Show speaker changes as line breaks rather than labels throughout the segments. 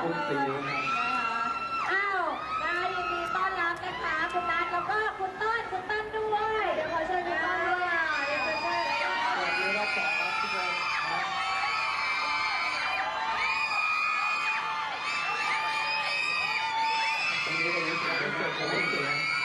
รุงศรีนะครับ
อ้าวยินดีต้อนรับนะคะคุณนัทแล้วก็คุณต้นด้วยเดี๋ยวขอเชิญคุณต้นด้วยเดี๋ยวไป
สวัสดีครับสองครับทุกคนตรงนี้เสียงอารมณ์ครับเพลงจบ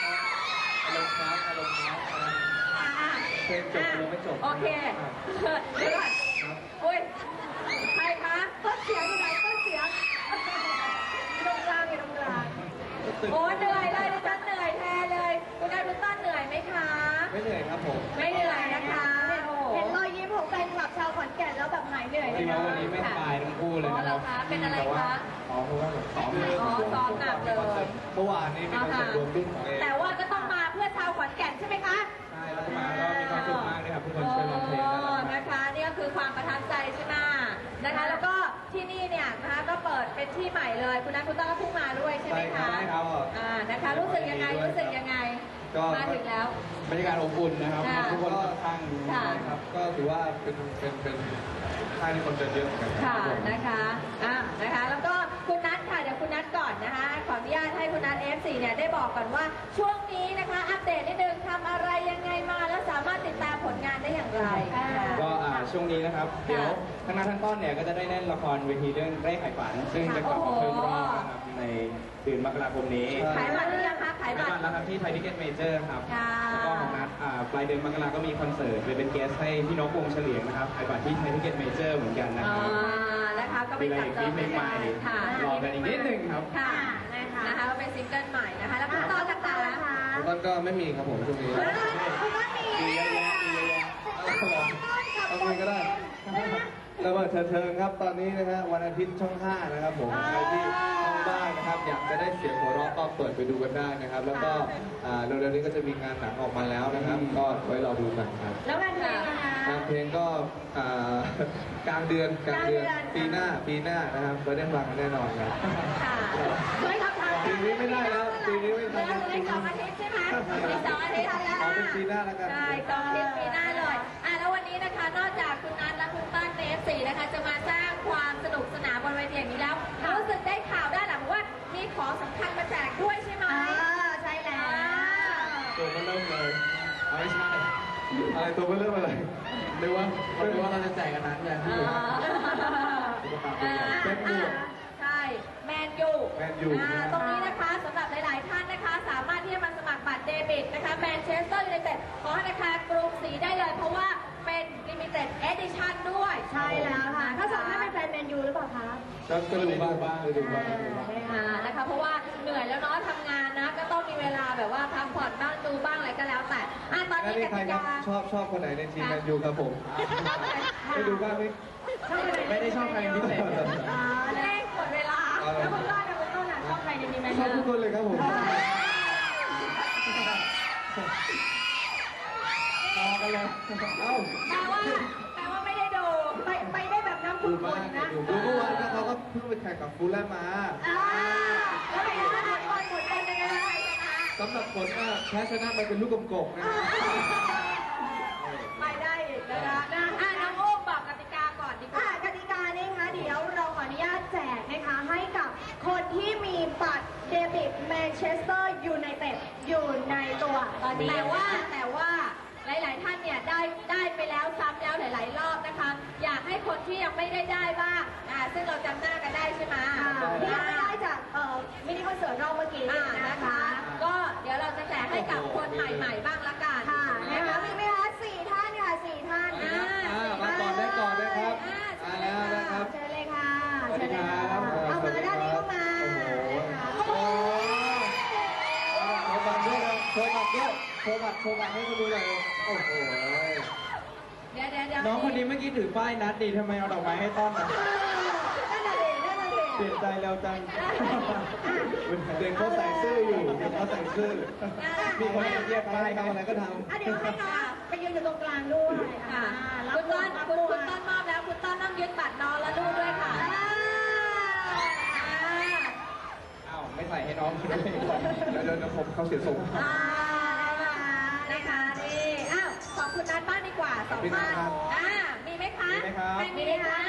ยังไม่จบ
โอเคเดี๋ยวก่อนอุ้ยใครคะต้นเสียงอยู่ไหนต้นเสียงตรงกลางโอ้เหนื่อยเลยดิฉันเหนื่อยแทนเลยคุณนายคุณต้นเหนื่อยไหมคะ
ไม่เหนื่อยครับผม
ไม่เหนื่อยนะคะเห็นรอยยิ้มของแฟนคลับชาวขอนแก่นแล้วแบบหายเหนื่อยเลยนะ
วันนี้ไม่สบายทั้งคู่เลยนะครับ
เป็นอะไรคะ
เพราะว่าซ้อม
หนักเลย
เมื่อวานนี้มีคอนเสิร์ตรวมรุ่นของเอง
แต่ว่าก็ต้องมาเพื่อชาวขอนแก่นใช่ไหมคะ
ใช่แล้วก็มาก็มีความสุขมากเลยครับทุกคนช่วยร้องเพลง
นะคะนี่ก็คือความประทับใจใช่ไหมนะคะแล้วก็ที่นี่เนี่ยนะคะก็เปิดเป็นที่ใหม่เลยคุณนัทคุณต้าก็เพิ่งมาด้วยใช่ไหมคะ
ใช่ครับ
นะคะรู้สึกยังไงมาถึงแล้ว
บรรยากาศอบอุ่นนะครับทุกคนค่อนข้างดีครับก็ถือว่าเป็นค่ายที่คนเดินเยอะเหมือนกัน
ค่ะนะคะแล้วก็คุณนัทค่ะเดี๋ยวคุณนัทก่อนนะคะขออนุญาตให้คุณนัท F4 เนี่ยได้บอกก่อนว่าช่วงนี้นะคะอัปเดตนิดนึงทำอะไรยังไงมาแล้วสามารถติดตามผลงานได้อย่างไร
ก็ช่วงนี้นะครับเดี๋ยวทั้งนัททั้งต้นเนี่ยก็จะได้เล่นละครเวทีเรื่องเร่ไขฝันซึ่งจะกลับมาเพิ่มรอบนะครับในเดือนมกราคมนี้
ขายบัตรหรือยังคะขายบัตร
แล้วครับที่ไทยทิเก็ตเมเจอร์ครับแล้วก็ของนัทปลายเดือนมกราก็มีคอนเสิร์ตเป็นเกสให้พี่นกวงเฉลียงนะครับขายบัตรที่ไทยทิเก็ตเมเจอร์เหมือนกันนะครับ
นะคะก็เป็นจับเจอ
เพลงใหม่รอกันอีกนิดนึงครับ
ค่ะนะคะก็เป็นซิงเกิลใหม่นะคะแล้วคุณต้นนะคะ
คุณต้นก็ไม่มีครับผมช่วงนี้
คุณต้นมี
เยอะแยะเอาคุยก็ได้ระเบิดเถิงครับตอนนี้นะฮะวันอาทิตย์ช่อง 5นะครับผมใครที่ช่องบ้านนะครับอยากจะได้เสียงหัวเราะก็เปิดไปดูกันได้นะครับแล้วก็เร็วๆนี้ก็จะมีงานหนังออกมาแล้วนะครับก็ไว้รอดูกันครับ
แล้วงานเพลงนะคะ
งานเพลงก็กลางเดือนปีหน้านะครับไว้ได้ฟังกันแน่นอนครับ
ค่ะไม่ทำทัน
ปีนี้ไม่ได้แล้วปีนี้ไม่ทัน
ใน2 อาทิตย์ใช่ไหมใน2 อาทิตย์แล้ว
เอาเป็นปีหน้าแล้วกัน
ใช่2 อาทิตย์ปีหน้าเลยแล้ววันนี้นะคะนอกจากคุณนัทและคุณต้นใน F4 นะคะจะมาสร้างความสนุกสนานบนเวทีอย่างนี้แล้วรู้สึกได้ข่าวด้านหลังว่ามีของสำคัญมาแจกด้วยใช่ไหมใช่แล้ว
ตัวมันเริ่มเลยไม่ใช่อะไรตัวมันเริ่มอะไรหรือว่าเราจะแจกกันนั้นอย่างที่อยู่เป็นหมวก
ใช่แมนยูตรงนี้นะคะสำหรับหลายๆท่านนะคะสามารถที่จะมาสมัครบัตรเดบิตนะคะแมนเชสเตอร์ยูไนเต็ดของธนาคารกรุงศรีได้เลยเพราะว่าเป็นลิมิเต็ดเอดิชั่นด้วยใช่แล้วค่ะถ้าสองท่านเป็นแฟนแมนยูหรือเปล่าคะ
ก็ดูบ้าง
นะคะเพราะว่าเหนื่อยแล้วเนาะทำงานนะก็ต้องมีเวลาแบบว่าพักผ่อนบ้างดูบ้างอะไรก็แล้วแต่ตอนนี้กติกา
ชอบคนไหนในทีมแมนยูครับผมไปดูบ้างไม่ได้ชอบใครพิเศษ
เล่นหมดเวลาแล้วคุณต้นชอบใครในทีมแมนยู
ชอบทุกคนเลยครับผมพอกันเลย
แปลว่าไม่ได้ดูไปได้แบบน้ำขุ่นๆนะ
ดูเมื่อวานนะเขาก็เพิ่งไปแข่งกับฟูลแลมมา
แล้วเป็นยังไงน้ำขุ่นๆเป็นยังไง
สำหรับผลแพ้ชนะมันเป็นลูกกลมๆนะ
ไม่ได้อีกนะคะน้องโอ้บอกกติกาก่อนดีกว่ากติกานี่คะเดี๋ยวเราขออนุญาตแจกนะคะให้กับคนที่มีบัตรเดบิตแมนเชสเตอร์ยูไนเต็ดอยู่ในตัวตอนนี้แต่ว่าหลายๆท่านเนี่ยได้ไปแล้วซ้ำแล้วหลายๆรอบนะคะอยากให้คนที่ยังไม่ได้บ้างซึ่งเราจำหน้ากันได้ใช่ไหมที่ยังไม่ได้จากมินิคอนเสิร์ตรอบเมื่อกี้นะคะก็เดี๋ยวเราจะแจกให้กับคนใหม่ๆบ้างละกันนะคะมีไหมคะ4 ท่านค่ะ4 ท่าน
มาก่อนได้ครับมาแล้วนะครับ
เชิญเลยค่ะ
สวัสดีครับ
เอามาด้านนี้เข้ามา
โชว์บัตรด้วยโชว์บัตรให้เขาดูหน่อยโอ้โห
เดี๋ยว
น้องคนนี้เมื่อกี้ถือป้ายนัดดีทำไมเอาดอกไม้ให้ต้อนอ่ะเปลี่ยนใจแล้วจังเด็กเขาใส่ซื่ออยู่มีคนเรียกป้ายทำอะไรก็ทำ
เดี๋ยวให้น้องไปยืนอยู่ตรงกลางด้วยคุณต้นมอบแล้วคุณต้นต้องยึดบัตรน้องและลูกด้วยค่ะ
ไม่ใส่ให้น้องด้วยเดี๋ยวผมเขาเสียทรง
นะคะนี่ขอบคุณนัทบ้างดีกว่า2 ท่านมีไหมคะไม่มีค่ะ